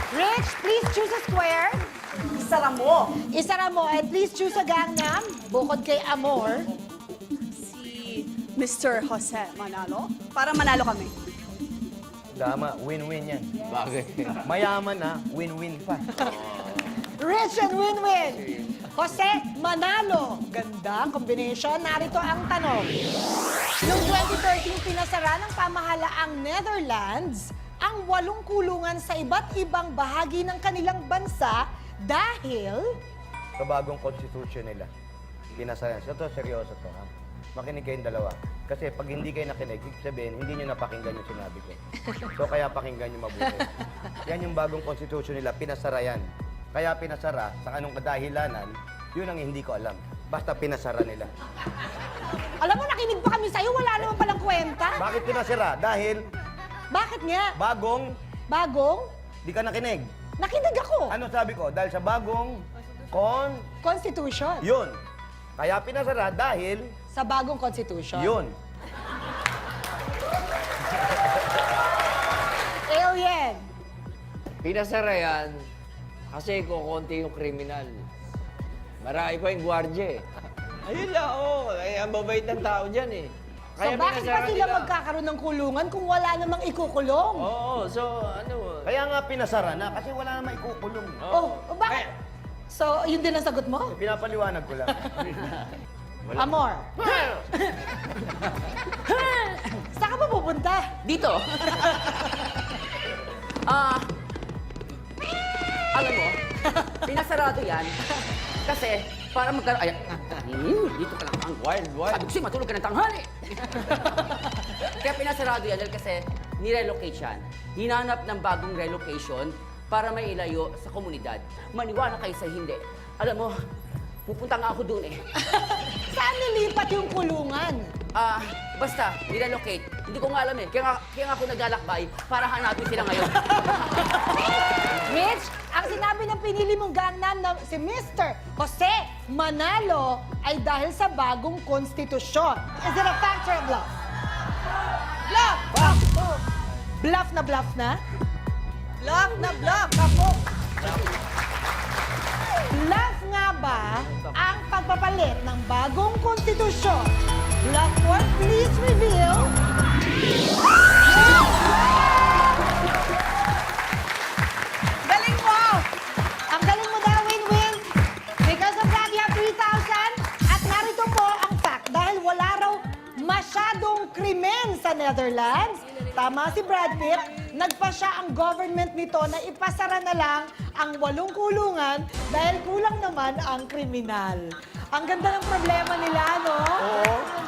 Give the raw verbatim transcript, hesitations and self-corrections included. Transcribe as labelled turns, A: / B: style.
A: Rich, please choose a square.
B: Isara mo.
A: Isara mo, and please choose a Gangnam. Bukod kay Amor.
B: Si Mister Jose Manalo. Para manalo kami.
C: Tama, win-win yan.
D: Bagay.
C: Mayaman na, win-win pa.
A: Rich and win-win. Jose Manalo. Ganda ang combination. Narito ang tanong. Noong twenty thirteen, pinasara ng pamahalaang Netherlands ang walong kulungan sa iba't ibang bahagi ng kanilang bansa dahil...
C: Sa bagong constitution nila, pinasayan. So, to, seryoso to, ha? Makinig kayong dalawa. Kasi pag hindi kayo nakinig, ibig sabihin, hindi nyo napakinggan yung sinabi ko. So, kaya pakinggan nyo mabuti. Yan yung bagong constitution nila, pinasara yan. Kaya pinasara, sa anong kadahilanan, yun ang hindi ko alam. Basta pinasara nila.
A: Alam mo, nakinig pa kami sa'yo. Wala naman palang kwenta.
C: Bakit pinasara? Dahil
A: Bakit nga?
C: bagong,
A: Bagong?
C: di ka nakinig.
A: Nakinig ako.
C: Ano sabi ko? Dahil sa bagong kon,
A: Constitution.
C: yun. Kaya pinasara dahil
A: Sa bagong constitution.
C: yun.
A: Alien.
D: Pinasara yan kasi kukunti yung kriminal. Marami pa yung gwardya eh. Ayun lang, oo. Ay, ang babait ng tao dyan eh.
A: So bakit pa sila magkakaroon ng kulungan kung wala namang ikukulong?
D: Oo, so ano...
C: Kaya nga pinasara na kasi wala namang ikukulong.
A: Oh, oh, bakit? So, yun din ang sagot mo?
C: Pinapaliwanag ko lang.
A: Amor. Saan ka ba pupunta?
E: Dito. Ah, alam mo, pinasarado yan kasi para magkaroon... Ay, hmm, dito ka lang ang
D: Wild, wild.
E: Sabi ko sa'yo, matulog ka ng tanghali. Kaya pinasarado yan dahil kasi nirelocate yan. Hinanap ng bagong relocation para may ilayo sa komunidad. Maniwala kayo sa hindi. Alam mo, pupunta nga ako doon eh.
A: Saan nilipat yung kulungan?
E: Ah, basta, nirelocate. Hindi ko nga alam eh. Kaya nga, kaya nga ako naglalakbay para hanapin sila ngayon.
A: Mitch, ang sinabi ng pinili mong Gangnam na si Mister Jose Manalo ay dahil sa bagong konstitusyon. Is it a fact or a bluff? Bluff! Bluff! Bluff na bluff na?
B: Bluff na bluff.
A: Kapo! Bluff nga ba ang pagpapalit ng bagong konstitusyon? Bluff or please reveal?
B: Galing mo!
A: Ang galing mo daw, win-win. Because of that, you have three thousand. At narito po ang fact. Dahil wala raw masyadong krimen sa Netherlands, tama si Brad Pitt, nagpa siya ang government nito na ipasara na lang ang walong kulungan dahil kulang naman ang kriminal. Ang ganda ng problema nila, no?
C: Oo.